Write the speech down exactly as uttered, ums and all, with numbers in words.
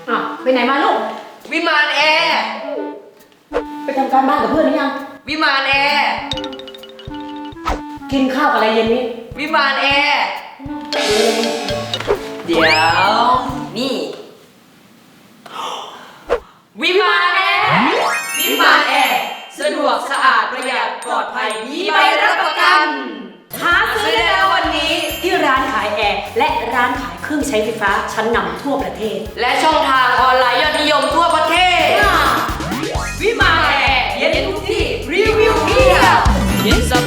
อ่ะไปไหนมาลูกวิมานแอร์ไปทำการบ้านกับเพื่อนหรือยังวิมานแอร์กินข้าวอะไรเย็นนี้วิมานแอร์เดี๋ยวนี่วิมานแอร์วิมานแอร์สะดวกสะอาดประหยัดปลอดภัยมีใบรับประกันหาซื้อได้แล้ววันนี้ที่ร้านขายแอร์และร้านขายเครื่องใช้ไฟฟ้าชั้นนำทั่วประเทศและช่องทางออนไลน์ยอดนิยมทั่วประเทศวิมานแอร์เย็นทุกที่รีวิวเพียบเย็นส